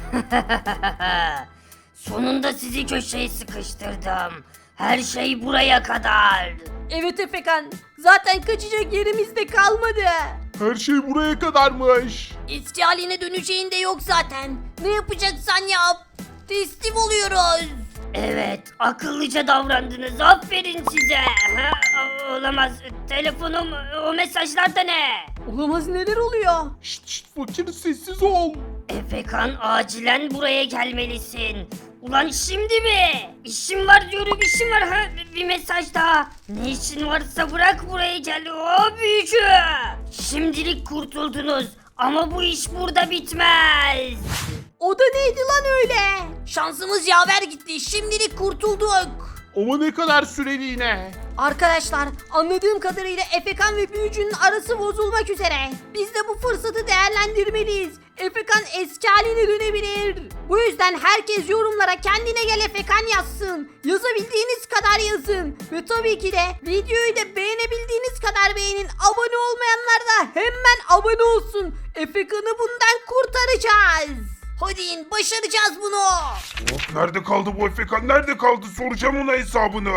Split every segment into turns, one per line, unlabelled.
Sonunda sizi köşeye sıkıştırdım. Her şey buraya kadar.
Evet Efekan, zaten kaçacak yerimiz de kalmadı.
Her şey buraya kadarmış.
Eski haline döneceğin de yok zaten. Ne yapacaksan yap. Teslim oluyoruz.
Evet, akıllıca davrandınız. Aferin size. Ha, olamaz. Telefonum, o mesajlarda ne?
Olamaz, neler oluyor?
Şşt fakir sessiz ol.
Efekan, acilen buraya gelmelisin. Ulan şimdi mi? İşim var diyorum, işim var. Ha, bir mesaj daha. Ne işin varsa bırak buraya gel. O büyücü. Şimdilik kurtuldunuz. Ama bu iş burada bitmez.
O da neydi lan öyle? Şansımız yaver gitti. Şimdilik kurtulduk.
Ama ne kadar süreliğine.
Arkadaşlar, anladığım kadarıyla Efekan ve büyücünün arası bozulmak üzere. Biz de bu fırsatı değerlendirmeliyiz. Efekan eski haline dönebilir. Bu yüzden herkes yorumlara kendine gel Efekan yazsın. Yazabildiğiniz kadar yazın. Ve tabii ki de videoyu da beğenebildiğiniz kadar beğenin. Abone olmayanlar da hemen abone olsun. Efekan'ı bundan kurtaracağız. Hadi in, başaracağız bunu.
Of, nerede kaldı bu Efekan, nerede kaldı, soracağım ona hesabını.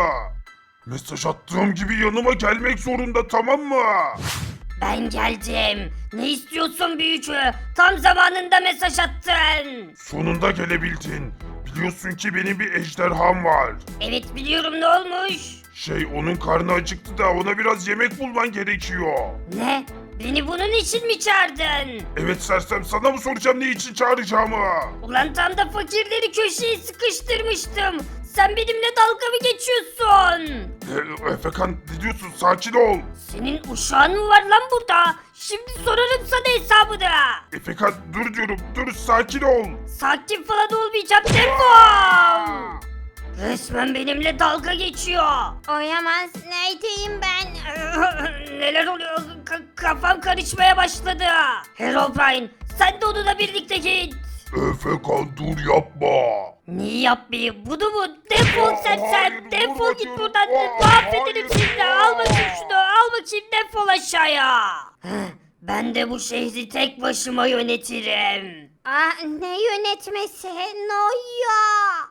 Mesaj attığım gibi yanıma gelmek zorunda, tamam mı?
Ben geldim. Ne istiyorsun büyücü? Tam zamanında mesaj attın.
Sonunda gelebildin. Biliyorsun ki benim bir ejderham var.
Evet biliyorum, ne olmuş?
Onun karnı acıktı da ona biraz yemek bulman gerekiyor.
Ne? Beni bunun için mi çağırdın?
Evet sersem, sana mı soracağım ne için çağıracağımı?
Ulan tam da fakirleri köşeye sıkıştırmıştım. Sen benimle dalga mı geçiyorsun?
Efekan, ne diyorsun, sakin ol.
Senin uşağın mı var lan burada? Şimdi sorarım sana hesabını.
Efekan dur diyorum, dur, sakin ol.
Sakin falan olmayacağım, defol. Resmen benimle dalga geçiyor.
Oyamaz, neredeyim ben?
Neler oluyor? Kafam karışmaya başladı. Herobrine, sen de onunla birlikte git.
Efekan dur, yapma.
Niye yapmayayım? Bunu mu? Defol sersem.
Hayır,
Defol
vurma
git
canım.
buradan.
Hayır.
Mahvederim seni. Al bakayım şunu. Al bakayım, defol aşağıya. Ben de bu şehri tek başıma yönetirim.
Ne yönetmesi? Ne oluyor?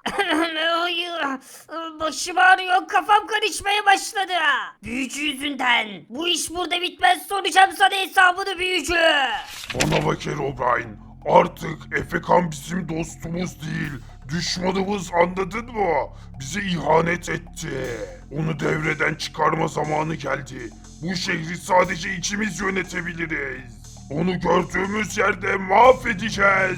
Ay, başım ağrıyor. Kafam karışmaya başladı. Büyücü yüzünden. Bu iş burada bitmez. Soracağım sana hesabını büyücü.
Bana bak Herobrine, artık Efekan bizim dostumuz değil, düşmanımız, anladın mı? Bize ihanet etti. Onu devreden çıkarma zamanı geldi. Bu şehri sadece içimiz yönetebiliriz. Onu gördüğümüz yerde mahvedeceğiz.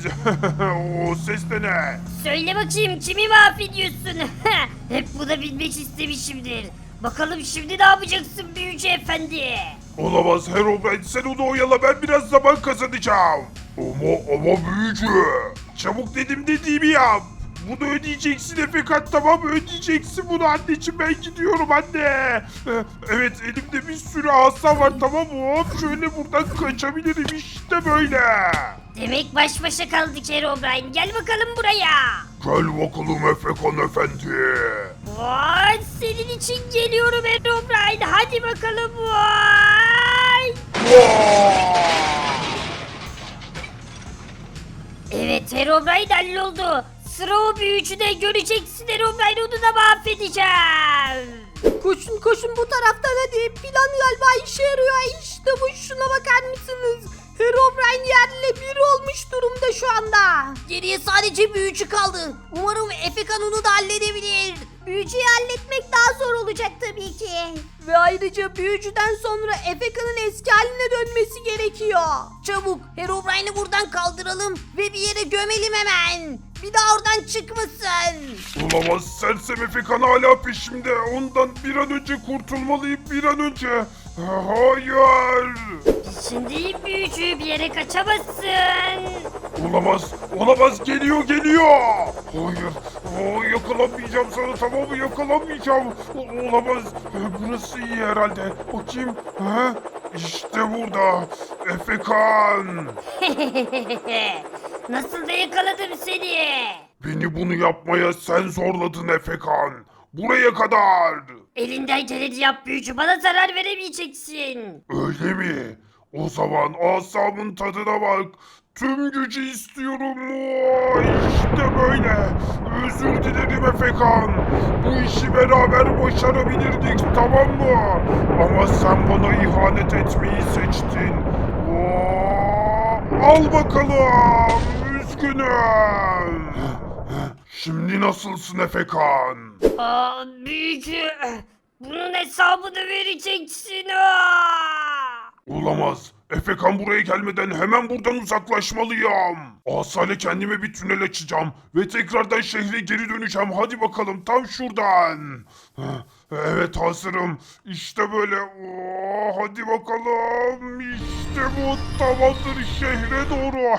O ses de ne?
Söyle bakayım, kimi mahvediyorsun? Hep bunu bilmek istemişimdir. Bakalım şimdi ne yapacaksın büyücü efendi?
Olamaz Herobrine, sen onu oyala, ben biraz zaman kazanacağım. Ama büyücü. Çabuk dedim dediğimi yap. Bunu ödeyeceksin Efekan, tamam mı? Ödeyeceksin bunu anneciğim, ben gidiyorum anne. Evet, elimde bir sürü asa var, tamam mı? Hop şöyle buradan kaçabilirim, işte böyle.
Demek baş başa kaldık Herobrine. Gel bakalım buraya.
Gel bakalım Efekan efendi.
Vay, senin için geliyorum Herobrine. Hadi bakalım vay. Evet, Herobrine halloldu. Sıra o büyücüde, göreceksin Herobrine, onu da mahvedeceğim.
Koşun koşun bu taraftan hadi. Plan galiba işe yarıyor. İşte bu, şuna bakar mısınız? Herobrine yerle bir olmuş durumda şu anda. Geriye sadece büyücü kaldı. Umarım Efekan onu da halledebilir. Büyücüyü halletmek daha zor olacak tabii ki. Ve ayrıca büyücüden sonra Efekan'ın eski haline dönmesi gerekiyor. Çabuk Herobrine'i buradan kaldıralım ve bir yere gömelim hemen. Bir daha oradan çıkmasın.
Olamaz, sersem Efekan hala peşimde. Ondan bir an önce kurtulmalıyım, bir an önce. Hayır.
Şimdi büyücü, bir yere kaçamazsın.
Olamaz, geliyor. Hayır, yakalamayacağım sana, tamam mı? Yakalamayacağım. Olamaz, burası iyi herhalde. Bakayım, İşte burada, Efekan.
Nasıl da yakaladım seni.
Beni bunu yapmaya sen zorladın Efekan. Buraya kadar.
Elinden geleni yap büyücü, bana zarar veremeyeceksin.
Öyle mi? O zaman asamın tadına bak. Tüm gücü istiyorum. İşte böyle. Özür dilerim Efekan. Bu işi beraber başarabilirdik, tamam mı? Ama sen bana ihanet etmeyi seçtin. Al bakalım. Üzgünüm. Şimdi nasılsın Efekan?
Aa, büyücü. Bunun hesabını vereceksin. Aa!
Olamaz. Efekan buraya gelmeden hemen buradan uzaklaşmalıyım. Asale kendime bir tünel açacağım ve tekrardan şehre geri döneceğim. Hadi bakalım tam şuradan. Evet hazırım. İşte böyle. Hadi bakalım. İşte bu tamamdır şehre doğru.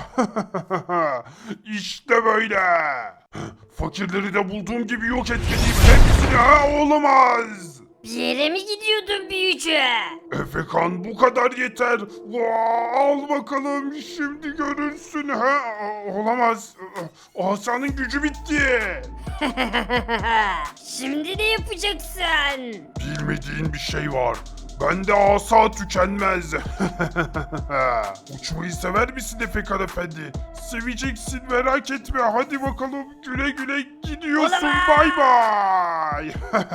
İşte böyle. Fakirleri de bulduğum gibi yok etmeliyim. Hepsini olamaz.
Bir yere mi gidiyordun büyücü?
Efekan bu kadar yeter. Al bakalım şimdi görürsün. Olamaz. Asanın gücü bitti.
Şimdi ne yapacaksın?
Bilmediğin bir şey var. Bende asa tükenmez. Uçmayı sever misin Efekan Efendi? Seveceksin merak etme. Hadi bakalım güle güle gidiyorsun.
Olamaz.
Bay bay.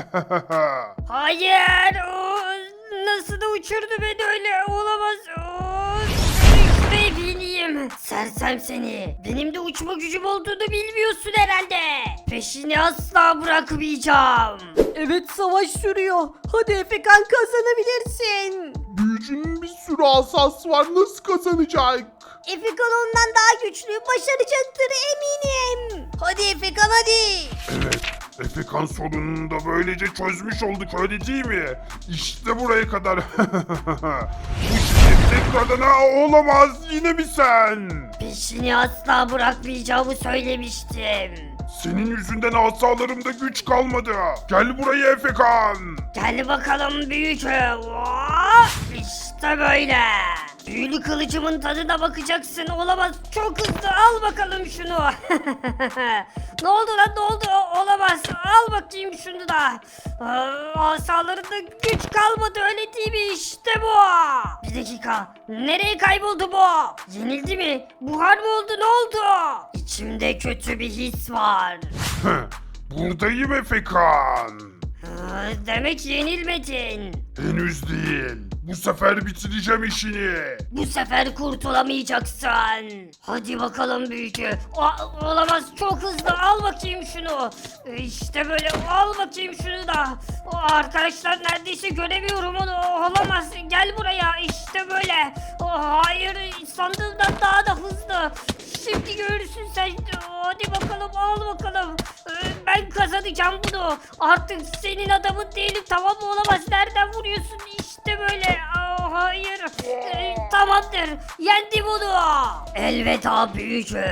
Hayır. O nasıl da uçurdu beni öyle. Olamaz. O işte bineyim. Sersem seni. Benim de uçma gücüm olduğunu bilmiyorsun herhalde. Peşini asla bırakmayacağım.
Evet savaş sürüyor. Hadi Efekan kazanabilirsin.
Büyücünün bir sürü asası var, nasıl kazanacak?
Efekan ondan daha güçlü. Başaracaktır eminim. Hadi Efekan hadi.
Evet, Efekan sorununu da böylece çözmüş olduk öyle değil mi? İşte buraya kadar. Bu şirket tekrardan olamaz yine mi sen?
Peşini asla bırakmayacağımı söylemiştim.
Senin yüzünden asalarımda güç kalmadı. Gel buraya Efekan.
Gel bakalım büyücü. Hop! İşte böyle. Büyülü kılıcımın tadına bakacaksın. Olamaz. Çok hızlı. Al bakalım şunu. Ne oldu lan ne oldu? Olamaz. Al bakayım şunu da. Asalarında güç kalmadı öyle değil mi? İşte bu. Bir dakika. Nereye kayboldu bu? Yenildi mi? Buhar mı oldu? Ne oldu? İçimde kötü bir his var.
Buradayım Efekan.
Demek yenilmedin.
Henüz değil. Bu sefer bitireceğim işini.
Bu sefer kurtulamayacaksın. Hadi bakalım büyücü. Olamaz çok hızlı al bakayım şunu. İşte böyle al bakayım şunu da. Arkadaşlar neredeyse göremiyorum onu. Olamaz gel buraya işte böyle. Hayır sandığımdan daha da hızlı. Şimdi görürsün sen. Hadi bakalım al bakalım. Ben kazanacağım bunu. Artık senin adamın değilim tamam mı? Olamaz nereden vuruyorsun işte böyle. Hayır. Tamamdır. Yendim onu. Elveda büyücü.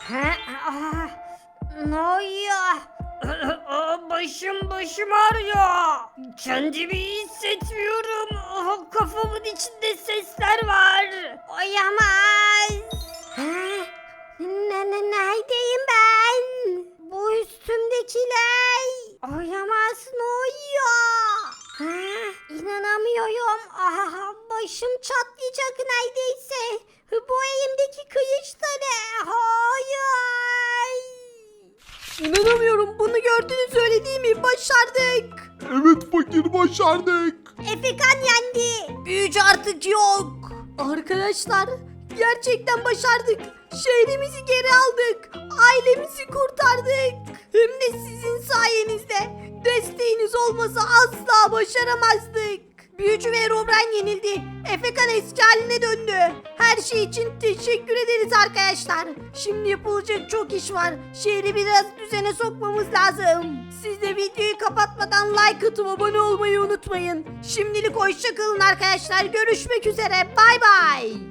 Ne oluyor? Başım ağrıyor. Kendimi iyi hissetmiyorum. Kafamın içinde sesler var. Oyamaz. Neredeyim ben? Bu üstümdekiler. Oyamaz ne oluyor? İnanamıyorum. Başım çatlayacak neredeyse. Bu elimdeki kılıç da ne? Hayır. İnanamıyorum. Bunu gördünüz öyle değil mi? Başardık.
Evet fakir, başardık.
Efekan yendi. Büyücü artık yok. Arkadaşlar gerçekten başardık. Şehrimizi geri aldık. Ailemizi kurtardık. Hem de sizin sayenizde. Desteğiniz olmasa asla başaramazdık. Büyücü ve Herobrine yenildi. Efekan eski haline döndü. Her şey için teşekkür ederiz arkadaşlar. Şimdi yapılacak çok iş var. Şehri biraz düzene sokmamız lazım. Siz de videoyu kapatmadan like atıp abone olmayı unutmayın. Şimdilik hoşça kalın arkadaşlar. Görüşmek üzere. Bay bay.